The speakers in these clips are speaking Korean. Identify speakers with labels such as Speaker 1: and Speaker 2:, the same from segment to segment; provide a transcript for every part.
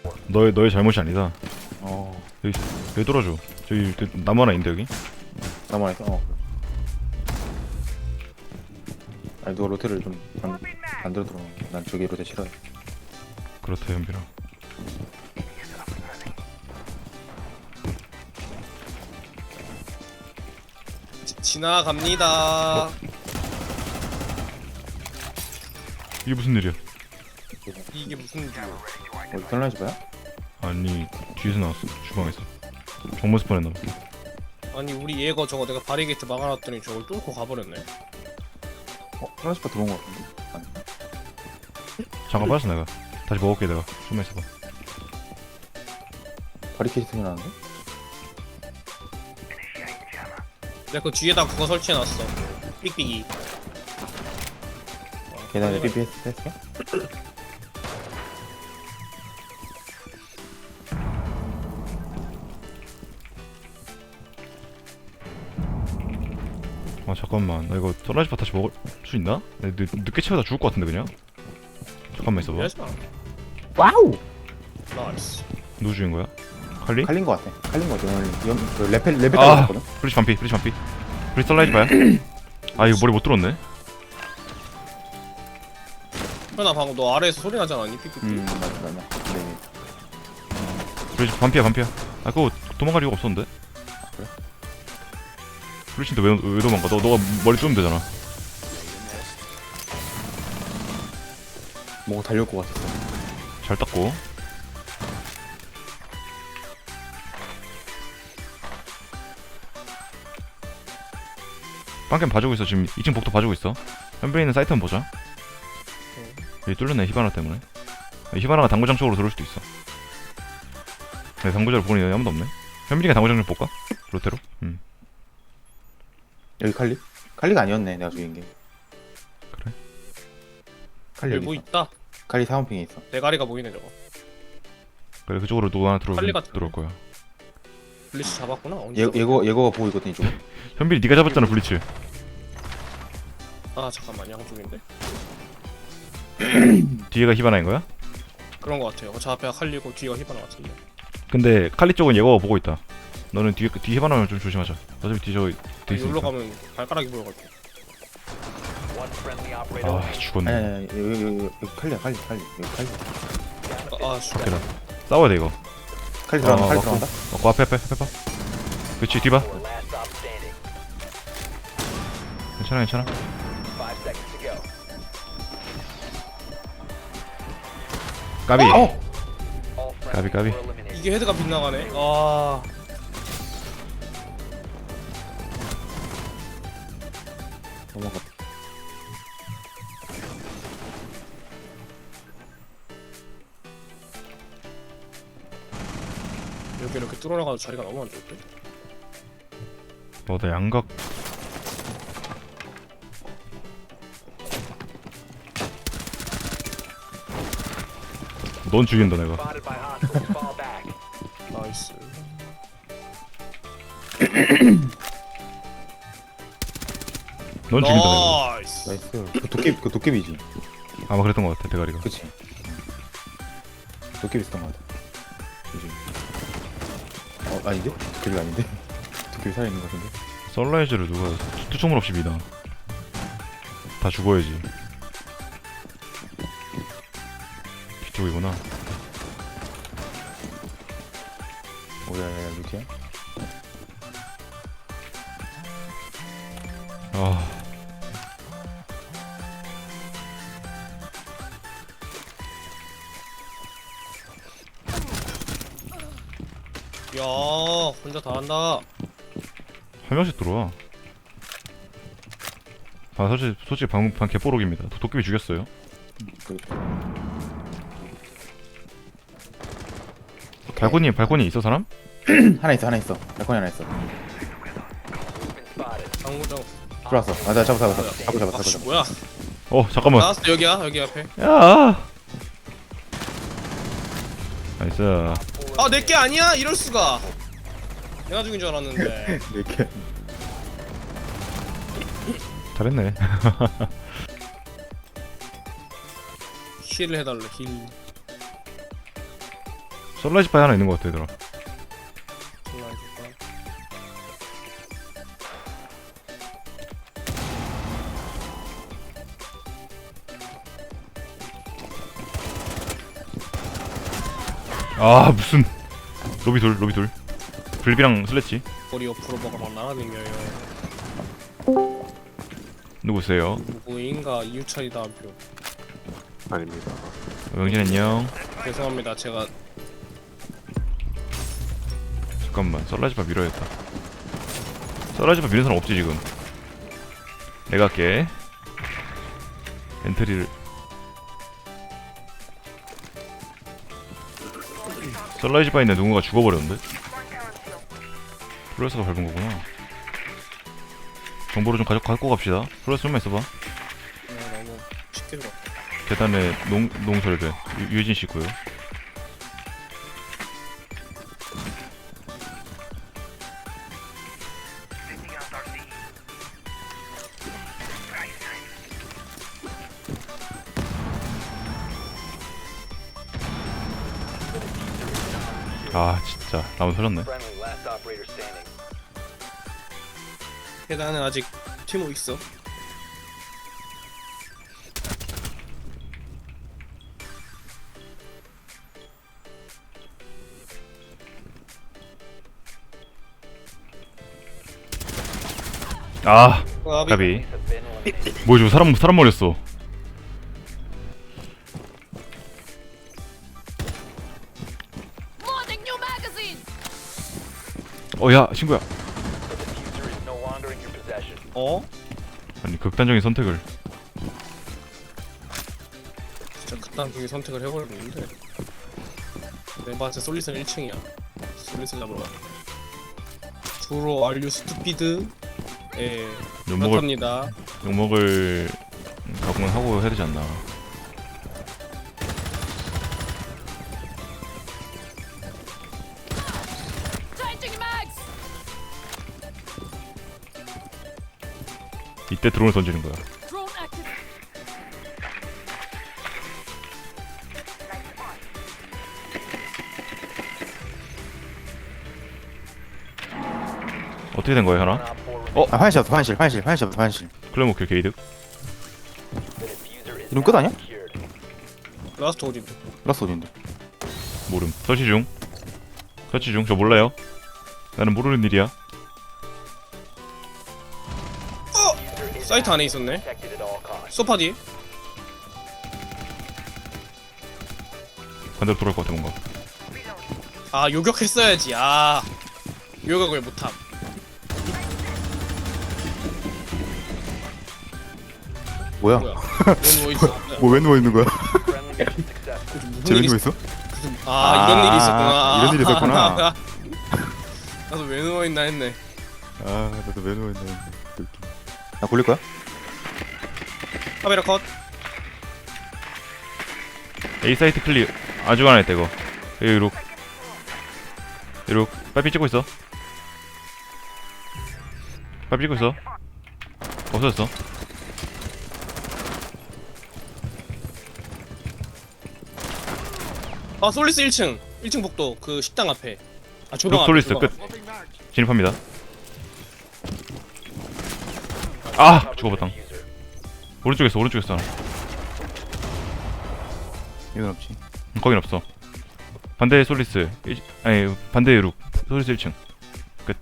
Speaker 1: 너의 잘못이 아니다.
Speaker 2: 어
Speaker 1: 여기 뚫어줘. 저기 나무 하나 있는데 여기.
Speaker 2: 나만 해서 아니 누가 로테를 좀 만들어 들어. 난 저기 로테 싫어해.
Speaker 1: 그렇다 현빈아.
Speaker 3: 지나갑니다.
Speaker 1: 이게 무슨 일이야?
Speaker 3: 이게 무슨 일이야?
Speaker 2: 어디 털라지 봐요?
Speaker 1: 아니 뒤에서 나왔어. 주방에서. 정모 스폰했나 봐.
Speaker 3: 아니 우리 얘가 저거 내가 바리게이트 막아놨더니 저걸 뚫고 가버렸네.
Speaker 2: 털라지 봐 들어온 거 같은데. 아니.
Speaker 1: 잠깐 빠졌어 내가. 다시 먹을게 내가. 좀만 있어봐.
Speaker 2: 바리케이트 소리 나는데?
Speaker 3: 내가 그 뒤에다 그거 설치해놨어. 삑삑이.
Speaker 2: 계단에 BBS 했어?
Speaker 1: 아 잠깐만. 나 이거 썰라지파 다시 먹을 수 있나? 나 늦게 채우다 죽을 것 같은데 그냥. 잠깐만 있어봐.
Speaker 3: 이러지 마.
Speaker 2: 와우!
Speaker 3: 나이스.
Speaker 1: 누구 죽인 거야? 칼리?
Speaker 2: 칼린 거 같아. 칼린 거 같아. 오늘 그 레벨
Speaker 1: 아!
Speaker 2: 따라갔거든?
Speaker 1: 브리치 반피. 브리치 썰라지파야? 아 이거 머리 못 들었네.
Speaker 3: 현아 방금 너 아래에서 소리 나지 않았니? 삑삑.
Speaker 2: 맞아. 네.
Speaker 1: 브리치 반피야. 아 그거 도망갈 이유가 없었는데?
Speaker 2: 그래?
Speaker 1: 브리치인데 왜 도망가? 너가 머리 뚫으면 되잖아.
Speaker 2: 뭔가 달려올 것 같았어.
Speaker 1: 잘 닦고. 빵캠 봐주고 있어. 지금 2층 복도 봐주고 있어. 현빈이 있는 사이트 한번 보자. 여기 뚫렸네 히바나 때문에. 히바나가 당구장 쪽으로 들어올 수도 있어. 네, 당구장을 보니 아무도 없네. 현빈이가 당구장 좀 볼까? 로테로?
Speaker 2: 여기 칼리? 칼리가 아니었네. 내가 죽인 게.
Speaker 1: 그래?
Speaker 2: 칼리
Speaker 3: 여기
Speaker 2: 여기
Speaker 3: 뭐
Speaker 2: 있어.
Speaker 3: 있다.
Speaker 2: 칼리 사원핑에 있어.
Speaker 3: 대가리가 보이네 저거.
Speaker 1: 그래 그쪽으로 누구 하나
Speaker 3: 빨리
Speaker 1: 들어올 거야.
Speaker 3: 블리츠 잡았구나. 언제 잡았어?
Speaker 2: 예거가 보고 있거든 이쪽.
Speaker 1: 현빈이 네가 잡았잖아 블리츠.
Speaker 3: 아 잠깐만 양쪽인데?
Speaker 1: 뒤에가 히바나인 거야?
Speaker 3: 그런 거 같아요. 저 앞에가 칼리고 뒤가 히바나 같은데.
Speaker 1: 근데 칼리 쪽은 예거가 보고 있다. 너는 뒤 히바나면 좀 조심하자. 어차피 뒤 저기 돼
Speaker 3: 여기로
Speaker 1: 있으니까.
Speaker 3: 가면 발가락이 보여가지고.
Speaker 1: 아 죽었네.
Speaker 2: 아니 여기 칼리야 칼리 여기 칼리.
Speaker 3: 아 씨.
Speaker 1: 오케이 나 싸워야 돼 이거.
Speaker 2: 칼리 들어간다. 칼리
Speaker 1: 맞고.
Speaker 2: 들어간다.
Speaker 1: 앞에 봐. 그렇지 뒤 봐. 괜찮아. 까비. 까비.
Speaker 3: 이게 헤드가 빗나가네. 아.
Speaker 2: 넘어가.
Speaker 3: 여기 이렇게 뚫어나가도 자리가 너무 안 좋대.
Speaker 1: 나 양각. 넌 죽인다 내가.
Speaker 3: 나이스.
Speaker 1: 넌 죽인다 내가.
Speaker 3: 나이스.
Speaker 2: 나이스. 그 도깨비지.
Speaker 1: 아마 그랬던 것 같아 대가리가.
Speaker 2: 그치. 도깨비 있었던 것 같아. 그지. 아닌데? 도깨비가 아닌데? 도깨비 살아있는 것 같은데?
Speaker 1: 썰라이즈를 누가 투총물 없이 미나. 다 죽어야지. 뒤쪽이구나.
Speaker 2: 오야야야 루티야?
Speaker 1: 아.
Speaker 3: 야 혼자 다 한다.
Speaker 1: 한 명씩 들어와. 아 솔직히 방 개뽀록입니다. 도깨비 죽였어요.
Speaker 2: 그,
Speaker 1: 발코니 있어 사람?
Speaker 2: 하나 있어. 발코니 하나 있어.
Speaker 3: 당구장.
Speaker 2: 들어왔어. 나 잡아.
Speaker 3: 아씨 뭐야?
Speaker 1: 잠깐만.
Speaker 3: 나왔어 여기야 여기 앞에.
Speaker 1: 야. 나이스.
Speaker 3: 아 내게 아니야? 이럴 수가. 내가 죽인 줄 알았는데.
Speaker 2: 이렇게.
Speaker 1: 잘했네.
Speaker 3: 힐을 해달래 힐.
Speaker 1: 썰라이즈 바이 하나 있는 것 같아 얘들아.
Speaker 3: 장난 아니겠다.
Speaker 1: 아 무슨 로비 둘 불비랑 슬래치.
Speaker 3: 머리 옆으로 먹어 막 날아다녀요.
Speaker 1: 누구세요?
Speaker 3: 누구인가 이유찬이다 한 표.
Speaker 4: 아닙니다.
Speaker 1: 명진 안녕.
Speaker 3: 죄송합니다. 제가
Speaker 1: 잠깐만 썰라이즈 바 밀어야겠다. 썰라이즈 바 미는 사람 없지 지금. 내가 할게. 엔트리를 썰라이즈 바에 있는 누군가 죽어버렸는데? 플로레스가 밟은 거구나. 정보를 좀 갖고 갑시다. 플로레스 좀만 있어봐.
Speaker 3: 너무 쉽게 들어.
Speaker 1: 계단에 농설배 유해진 씨 있고요. 아 진짜 나무 터졌네.
Speaker 3: 계단에 아직 티모 있어.
Speaker 1: 아
Speaker 3: 아,
Speaker 1: 가비. 뭐지 사람 머리였어.
Speaker 5: Loading new magazine.
Speaker 1: 야 친구야.
Speaker 3: 어?
Speaker 1: 아니 극단적인 선택을.
Speaker 3: 진짜 그딴 중에 선택을 해버렸는데. 내 맛에 솔리슨 1층이야. 솔리슨 잡으러 가. 주로 알류 스투피드. 예.
Speaker 1: 욕먹을
Speaker 3: 그렇답니다.
Speaker 1: 욕먹을 각오는 하고 해야 되지 않나.
Speaker 5: Changing mags.
Speaker 1: 이때 드론을 던지는 거야.
Speaker 5: Drone active.
Speaker 1: 어떻게 된 거야 현아?
Speaker 2: 아 화장실.
Speaker 1: 클레모 킬 게이득.
Speaker 2: 이름 끝 아니야?
Speaker 3: 라스트 오딘.
Speaker 2: 라스 어딘데?
Speaker 1: 모름. 설치 중. 저 몰라요. 나는 모르는 일이야.
Speaker 3: 사이트 안에 있었네. 소파 뒤에.
Speaker 1: 반대로 돌아올 것 같아 뭔가.
Speaker 3: 아 요격했어야지. 아 요격을 못함.
Speaker 2: 뭐야?
Speaker 3: 뭐야? 왜 누워 있어?
Speaker 2: 뭐 왜 누워 있는 거야?
Speaker 3: 무슨
Speaker 2: 쟤왜
Speaker 3: 일이
Speaker 2: 누워 있어?
Speaker 3: 아 이런 일이 있었구나.
Speaker 2: 이런 일이 있었구나.
Speaker 3: 나도 왜 누워 있나 했네.
Speaker 2: 아 나도 왜 누워 있나 했는데. 나 굴릴 거야?
Speaker 3: 카메라 컷.
Speaker 1: A 사이트 클릭 아주 안 했다 이거. 이룩 빨리 찍고 있어. 빨리 찍고 있어. 없어졌어.
Speaker 3: 아 솔리스 1층 복도 그 식당 앞에. 아 조명
Speaker 1: 룩
Speaker 3: 앞에.
Speaker 1: 솔리스
Speaker 3: 조명
Speaker 1: 끝.
Speaker 3: 앞에.
Speaker 1: 진입합니다. 아 죽어봤다. 오른쪽에 있어 하나.
Speaker 2: 이건 없지.
Speaker 1: 거긴 없어. 반대 솔리스 아니 반대 룩 솔리스 1층 끝.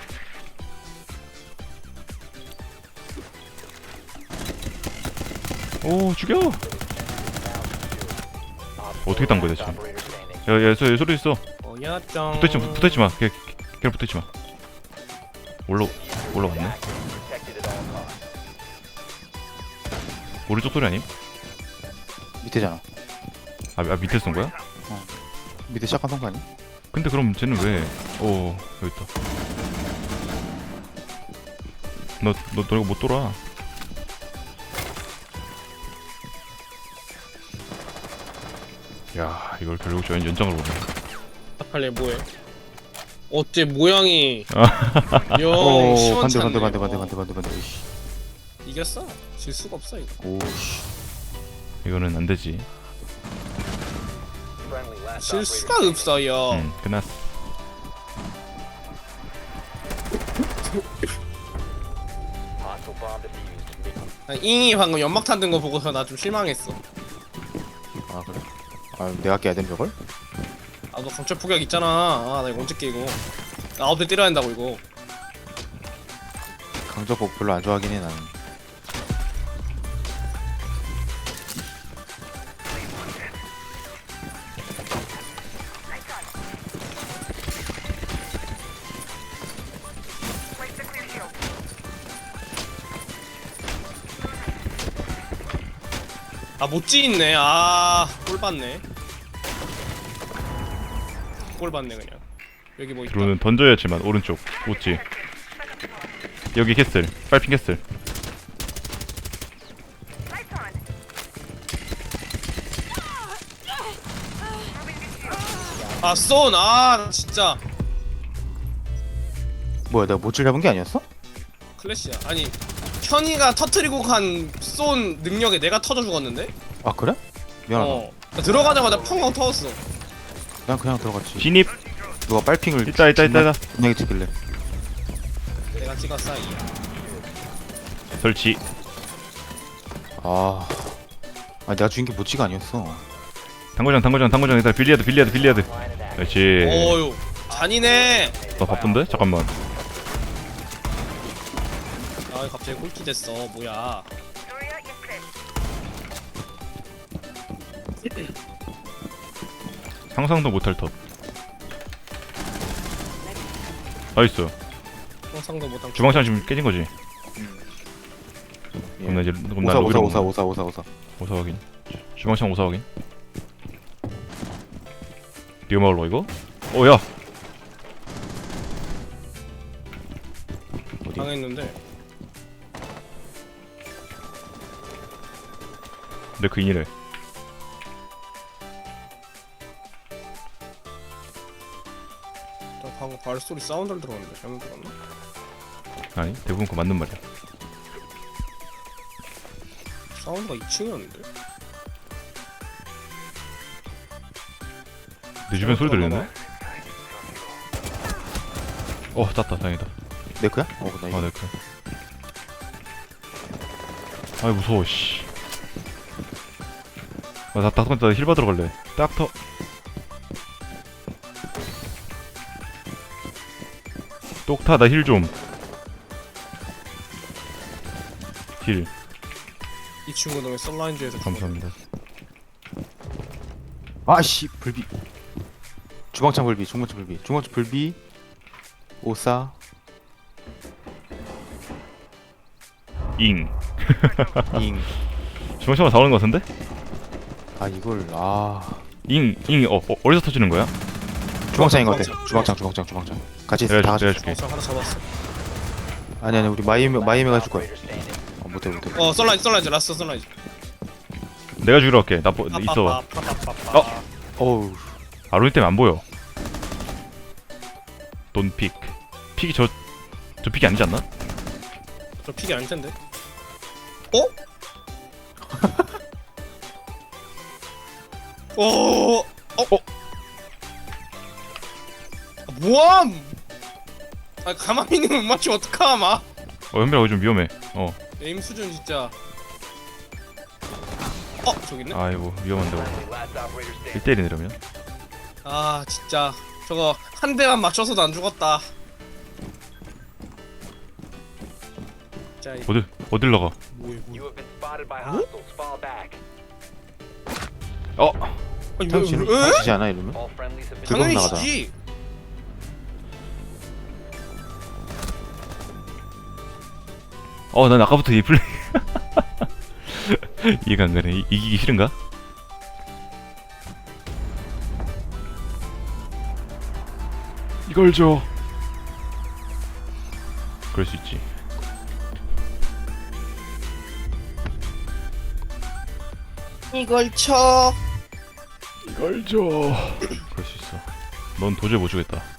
Speaker 1: 오 죽여. 어떻게 딴 거야 대체. 야야 소리 있어.
Speaker 3: 뭐야 짱.
Speaker 1: 붙어있지 마. 걔 붙어있지 마. 올라갔네. 오른쪽 소리 아님?
Speaker 2: 밑에잖아.
Speaker 1: 아 밑에 쏜 거야?
Speaker 2: 밑에 시작한 거 아니야?
Speaker 1: 근데 그럼 쟤는 왜? 오 여기 있다. 너 이거 못 돌아. 야 이걸 결국 저 연장을 보네.
Speaker 3: 아칼리 뭐해? 어째 모양이
Speaker 2: 오
Speaker 3: 영 시원찮네.
Speaker 2: 반대. 이씨.
Speaker 3: 이겼어. 질 수가 없어 이거.
Speaker 2: 오씨.
Speaker 1: 이거는 안 되지.
Speaker 3: 실수가 없어요.
Speaker 1: 끝났어.
Speaker 3: 잉이 방금 연막탄 든 거 보고서 나 좀 실망했어.
Speaker 2: 아 그래? 아 내가 깨야 된 저걸?
Speaker 3: 아 너 강철 폭격 있잖아. 아 나 이거 언제 깨 이거. 나 아홉 대 때려야 한다고 이거.
Speaker 2: 강저복 별로 안 좋아하긴 해 나는.
Speaker 3: 아 못지 있네. 아골 봤네. 골 봤네 그냥. 여기 뭐 있다.
Speaker 1: 드론은 던져야지만 오른쪽 오지. 여기 캐슬. 빨핑 캐슬.
Speaker 3: 아 쏜. 아 진짜
Speaker 2: 뭐야 내가 못질 잡은 게 아니었어?
Speaker 3: 클래시야. 아니 현이가 터트리고 간 쏜 능력에 내가 터져 죽었는데?
Speaker 2: 아 그래? 미안하다.
Speaker 3: 나 들어가자마자 펑펑 터졌어.
Speaker 2: 난 그냥 들어갔지.
Speaker 1: 진입.
Speaker 2: 누가 빨핑을
Speaker 1: 있다.
Speaker 2: 분명히 찍길래.
Speaker 3: 내가 찍었어.
Speaker 1: 설치.
Speaker 2: 아 내가 죽인 게 모찌가 아니었어.
Speaker 1: 당구장 일단 빌리아드. 그렇지.
Speaker 3: 어유 잔이네.
Speaker 1: 나 바쁜데? 잠깐만.
Speaker 3: 아 갑자기 꼴찌 됐어. 뭐야?
Speaker 1: 상상도 못할 터그 나이스.
Speaker 3: 상상도 못한.
Speaker 1: 주방창 지금 깨진 거지? 그럼 나 이제 그럼 나 로비로
Speaker 2: 오사.
Speaker 1: 오사 확인. 주방창 오사 확인. 리오 마을로 이거? 야.
Speaker 2: 어디?
Speaker 3: 당했는데.
Speaker 1: 내 그 인이래.
Speaker 3: 나 방금 발소리 사운드를 들었는데 잘못 들었나?
Speaker 1: 아니 대부분 그거 맞는 말이야.
Speaker 3: 사운드가 2층이었는데?
Speaker 1: 내 주변 소리 들리는데? 땄다 다행이다.
Speaker 2: 네크야? 나 이거.
Speaker 1: 아 네크. 아이 무서워 씨. 나 닥터 힐 받으러 갈래. 닥터. 똑타 나 힐 좀. 힐.
Speaker 3: 이 친구는 왜 썰라인즈에서
Speaker 1: 감사합니다.
Speaker 2: 아씨 불비. 주방창 불비. 오사.
Speaker 1: 잉.
Speaker 2: 잉.
Speaker 1: 주방창으로 다 오는 거 같은데?
Speaker 2: 아 이걸
Speaker 1: 잉. 어디서 터지는 거야?
Speaker 2: 주방창인 것 같아. 주방창. 같이 있어. 다 같이.
Speaker 1: 내가 줄게.
Speaker 3: 하나 잡았어.
Speaker 2: 아니 우리 마이메가 줄 거야. 못해.
Speaker 3: 썰라인즈 라스트 썰라인즈.
Speaker 1: 내가 죽이러 갈게. 나 있어봐.
Speaker 2: 어우.
Speaker 1: 아로니 때문에 안 보여. 돈 픽. 픽이 저 픽이 아니지 않나?
Speaker 3: 저 픽이 아닐 텐데. 뭐함? 아 가만히 있는 못 맞추면 어떡함?
Speaker 1: 현빈아 거기 좀 위험해.
Speaker 3: 에임 수준 진짜. 저기 있네.
Speaker 1: 아이고 위험한데. 1대1이네 이러면.
Speaker 3: 아 진짜 저거 한 대만 맞춰서도 안 죽었다. 진짜
Speaker 1: 어딜 나가?
Speaker 3: 뭐야? 아니
Speaker 2: 지지 않아 이러면?
Speaker 3: 당연히
Speaker 2: 나가자.
Speaker 3: 지지.
Speaker 1: 난 아까부터 이 플레이 이해가 안 가네. 이기기 싫은가? 이걸 줘. 그럴 수 있지.
Speaker 3: 이걸 쳐.
Speaker 1: 이걸 줘. 그럴 수 있어. 넌 도저히 못 주겠다.